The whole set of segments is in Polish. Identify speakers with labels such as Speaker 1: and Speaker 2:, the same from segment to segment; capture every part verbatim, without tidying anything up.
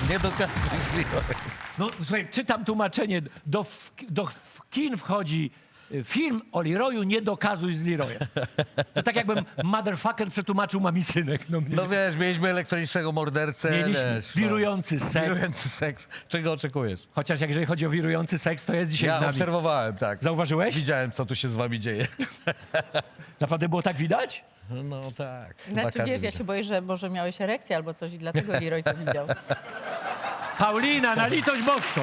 Speaker 1: Nie dokazuj z Leroyem.
Speaker 2: No słuchaj, czytam tłumaczenie. Do, w, do w kin wchodzi y, film o Leroyu, nie dokazuj z Leroyem. To tak jakbym motherfucker przetłumaczył Mami Synek. No, mnie.
Speaker 1: No wiesz, mieliśmy elektronicznego mordercę.
Speaker 2: Mieliśmy
Speaker 1: wiesz,
Speaker 2: wirujący
Speaker 1: no.
Speaker 2: seks.
Speaker 1: Wirujący seks. Czego oczekujesz?
Speaker 2: Chociaż jak jeżeli chodzi o wirujący seks, to jest dzisiaj
Speaker 1: Ja
Speaker 2: z nami.
Speaker 1: obserwowałem, tak.
Speaker 2: Zauważyłeś?
Speaker 1: Widziałem, co tu się z wami dzieje.
Speaker 2: Naprawdę było tak widać?
Speaker 1: No tak. Chyba
Speaker 3: Znaczy
Speaker 1: każdy
Speaker 3: wiesz, ja
Speaker 1: widział.
Speaker 3: się boję, że może miałeś erekcję albo coś i dlatego Leroy to widział.
Speaker 2: Paulina, na litość boską.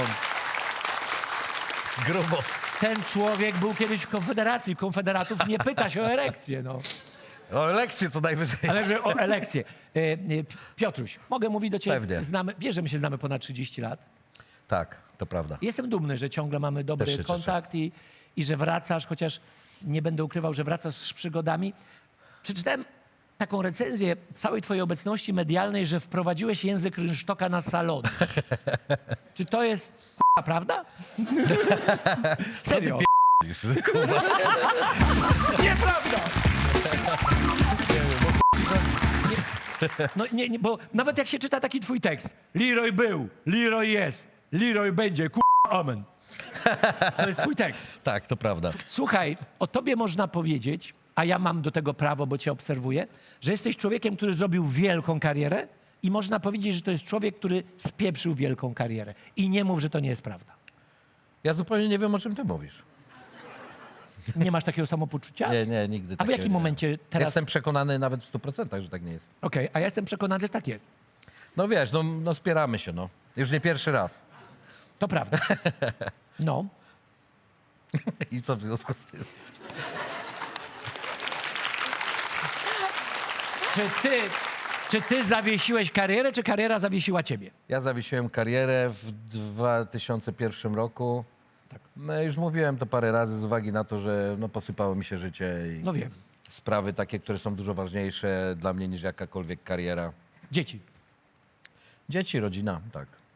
Speaker 1: Grubo.
Speaker 2: Ten człowiek był kiedyś w Konfederacji. Konfederatów nie pyta się o erekcję, no.
Speaker 1: O lekcję co najwyżej.
Speaker 2: Ale że o elekcję. E, e, Piotruś, mogę mówić do ciebie?
Speaker 1: Pewnie.
Speaker 2: Znamy, wiesz, że my się znamy ponad trzydzieści lat.
Speaker 1: Tak, to prawda.
Speaker 2: Jestem dumny, że ciągle mamy dobry
Speaker 1: Też się
Speaker 2: kontakt i, i że wracasz, chociaż nie będę ukrywał, że wracasz z przygodami. Przeczytałem taką recenzję całej twojej obecności medialnej, że wprowadziłeś język rynsztoka na salon. Czy to jest k***a, prawda? Serio? Nieprawda! No nie, nie, bo nawet jak się czyta taki twój tekst. Leroy był, Leroy jest, Leroy będzie, k***a, amen. To jest twój tekst.
Speaker 1: Tak, to prawda.
Speaker 2: Słuchaj, o tobie można powiedzieć, a ja mam do tego prawo, bo cię obserwuję, że jesteś człowiekiem, który zrobił wielką karierę i można powiedzieć, że to jest człowiek, który spieprzył wielką karierę. I nie mów, że to nie jest prawda.
Speaker 1: Ja zupełnie nie wiem, o czym ty mówisz.
Speaker 2: Nie masz takiego samopoczucia?
Speaker 1: Nie, nie, nigdy
Speaker 2: A w
Speaker 1: takiego
Speaker 2: jakim
Speaker 1: nie.
Speaker 2: momencie teraz...
Speaker 1: Jestem przekonany nawet w stu procentach, że tak nie jest.
Speaker 2: Okej, a ja jestem przekonany, że tak jest.
Speaker 1: No wiesz, no, no spieramy się, no. Już nie pierwszy raz.
Speaker 2: To prawda. No.
Speaker 1: I co w związku z tym?
Speaker 2: Czy ty, czy ty zawiesiłeś karierę, czy kariera zawiesiła ciebie?
Speaker 1: Ja zawiesiłem karierę w dwa tysiące pierwszym roku. Tak. No już mówiłem to parę razy z uwagi na to, że no, posypało mi się życie i
Speaker 2: No wiem.
Speaker 1: sprawy takie, które są dużo ważniejsze dla mnie niż jakakolwiek kariera.
Speaker 2: Dzieci.
Speaker 1: Dzieci, rodzina, tak.